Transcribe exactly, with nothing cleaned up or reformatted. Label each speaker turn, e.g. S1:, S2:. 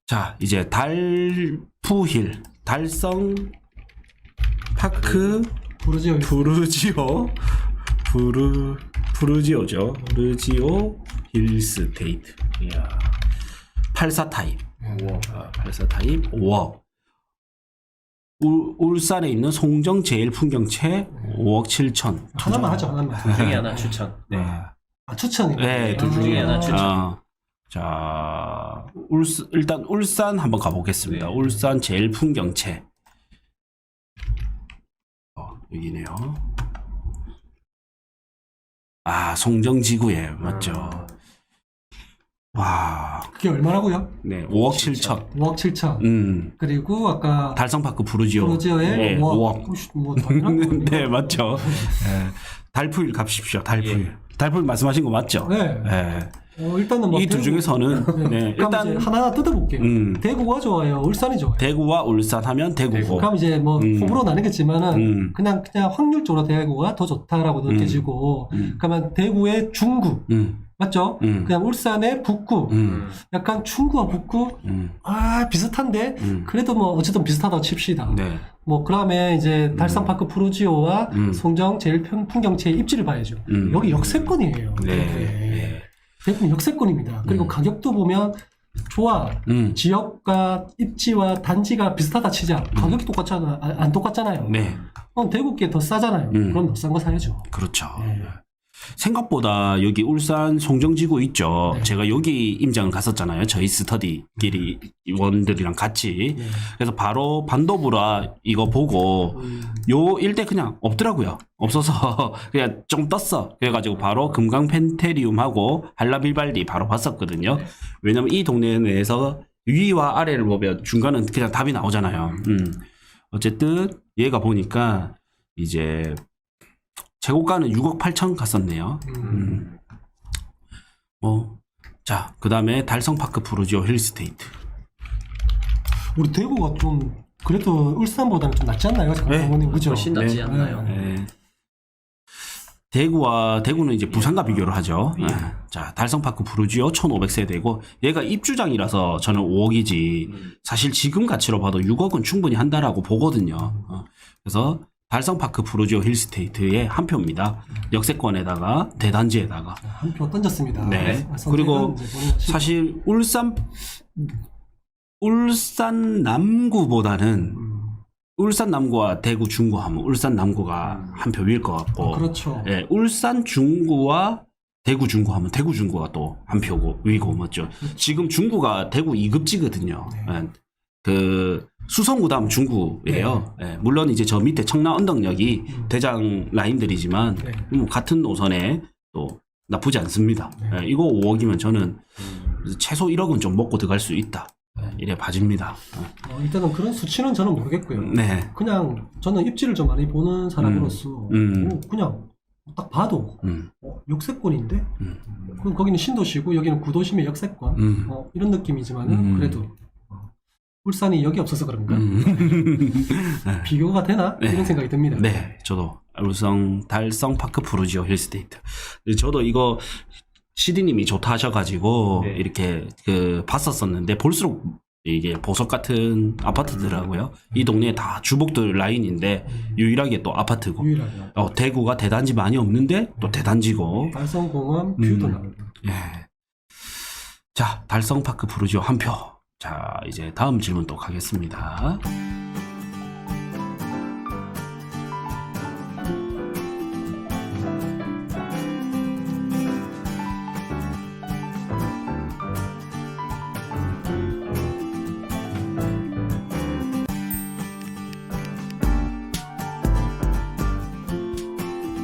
S1: 자, 이제 달푸힐, 달성 파크
S2: 부르지오.
S1: 부르지오, 부르, 부르지오죠. 부르지오 힐스테이트. 이야. 팔십사 타입.
S2: 음.
S1: 아, 팔십사 타입 오억. 울, 울산에 있는 송정 제일 풍경채 오억 칠천.
S2: 하나만 하죠, 하나만.
S3: 둘 중에 하나 추천.
S1: 네.
S2: 아, 추천이.
S1: 네, 둘
S3: 둘 중에 하나 추천.
S1: 아, 자, 울산, 일단 울산 한번 가보겠습니다.
S3: 네.
S1: 울산 제일 풍경채. 어, 여기네요. 아, 송정지구에 맞죠. 와,
S2: 그게 얼마라고요?
S1: 네, 오억 칠천.
S2: 오억 칠천.
S1: 음,
S2: 그리고 아까
S1: 달성파크 부르지오.
S2: 부르지오에
S1: 네,
S2: 오억.
S1: 오억.
S2: 혹시 뭐 당연한 거 아니에요?
S1: 네, 맞죠. 네, 달풀 갑십시오. 달풀. 달풀 말씀하신 거 맞죠?
S2: 네.
S1: 네.
S2: 어, 일단은 뭐
S1: 이 두
S2: 대구-
S1: 중에서는
S2: 네.
S1: 네,
S2: 그럼
S1: 일단
S2: 이제 하나하나 뜯어볼게요.
S1: 음.
S2: 대구가 좋아요? 울산이 좋아요?
S1: 대구와 울산 하면 대구고.
S2: 그럼 이제 뭐
S1: 음.
S2: 호불호 나뉘겠지만은
S1: 음.
S2: 그냥 그냥 확률적으로 대구가 더 좋다라고 느껴지고
S1: 음.
S2: 그러면 대구의 중구
S1: 음,
S2: 맞죠?
S1: 음.
S2: 그냥 울산의 북구
S1: 음,
S2: 약간 충구와 북구
S1: 음,
S2: 아 비슷한데
S1: 음.
S2: 그래도 뭐 어쨌든 비슷하다고 칩시다.
S1: 네.
S2: 뭐 그다음에 이제 달성파크 푸르지오와
S1: 음.
S2: 송정 제일 편- 풍경채의 입지를 봐야죠.
S1: 음.
S2: 여기 역세권이에요.
S1: 네.
S2: 대구에.
S1: 네.
S2: 대부분 역세권입니다. 그리고
S1: 음.
S2: 가격도 보면 좋아.
S1: 음,
S2: 지역과 입지와 단지가 비슷하다 치자. 가격이 똑같잖아. 아, 안 똑같잖아요.
S1: 네.
S2: 그럼 대구께 더 싸잖아요.
S1: 음.
S2: 그럼 더 싼 거 사야죠.
S1: 그렇죠.
S2: 네.
S1: 생각보다 여기 울산 송정지구 있죠.
S2: 네.
S1: 제가 여기 임장을 갔었잖아요. 저희 스터디끼리 원들이랑 같이.
S2: 네.
S1: 그래서 바로 반도부라 이거 보고
S2: 음.
S1: 요 일대 그냥 없더라고요. 없어서 그냥 좀 떴어. 그래가지고 바로 금강 펜테리움하고 한라빌발디 바로 봤었거든요.
S3: 네.
S1: 왜냐면 이 동네 내에서 위와 아래를 보면 중간은 그냥 답이 나오잖아요. 음. 어쨌든 얘가 보니까 이제 최고가는 육억 팔천 갔었네요.
S2: 음.
S1: 음. 뭐, 자, 그 다음에 달성파크 푸르지오 힐스테이트.
S2: 우리 대구가 좀 그래도 울산보다는 좀 낫지 않나요?
S1: 네.
S2: 장모님 그죠?
S3: 훨씬 낫지
S1: 네.
S3: 않나요?
S1: 네. 대구와 대구는 이제 부산과 비교를 하죠.
S3: 예.
S1: 네. 자, 달성파크 푸르지오 천오백 세대고 얘가 입주장이라서 저는 오억이지.
S3: 음.
S1: 사실 지금 가치로 봐도 육억은 충분히 한다라고 보거든요. 어. 그래서 달성파크 푸르지오 힐스테이트의 한 표입니다. 역세권에다가 대단지에다가.
S2: 한 표 던졌습니다.
S1: 네.
S2: 선택은
S1: 그리고
S2: 이제 본인 하시고.
S1: 사실 울산 울산 남구보다는
S2: 음.
S1: 울산 남구와 대구 중구 하면 울산 남구가 한 표 위일 것 같고,
S2: 어, 그렇죠.
S1: 예, 울산 중구와 대구 중구 하면 대구 중구가 또 한 표고 위고 맞죠. 지금 중구가 대구 이 급지거든요.
S2: 네.
S1: 예, 그 수성구 다음 중구예요. 예, 물론 이제 저 밑에 청라 언덕역이
S2: 음.
S1: 대장 라인들이지만
S2: 네.
S1: 뭐 같은 노선에 또 나쁘지 않습니다.
S2: 네.
S1: 예, 이거 오억이면 저는 최소 일억은 좀 먹고 들어갈 수 있다. 예, 이래 봐집니다.
S2: 어, 일단은 그런 수치는 저는 모르겠고요.
S1: 네.
S2: 그냥 저는 입지를 좀 많이 보는 사람으로서
S1: 음.
S2: 어, 그냥 딱 봐도
S1: 음,
S2: 어, 역세권인데
S1: 음,
S2: 그럼 거기는 신도시고 여기는 구도심의 역세권
S1: 음.
S2: 어, 이런 느낌이지만은
S1: 음.
S2: 그래도 어, 울산이 여기 없어서 그런가
S1: 음.
S2: 비교가 되나
S1: 네.
S2: 이런 생각이 듭니다.
S1: 네, 저도 울산 달성 파크 푸르지오 힐스테이트. 저도 이거 시디님이 좋다 하셔가지고
S3: 네.
S1: 이렇게 그 봤었었는데 볼수록 이게 보석 같은 아파트더라고요. 이 동네에 다 주복들 라인인데 유일하게 또 아파트고.
S2: 유일하게
S1: 어, 대구가 대단지 많이 없는데 또 대단지고.
S2: 달성공원 뷰도
S1: 음.
S2: 나오고
S1: 예. 자, 달성 파크 푸르지오 한 표. 자, 이제 다음 질문 또 가겠습니다.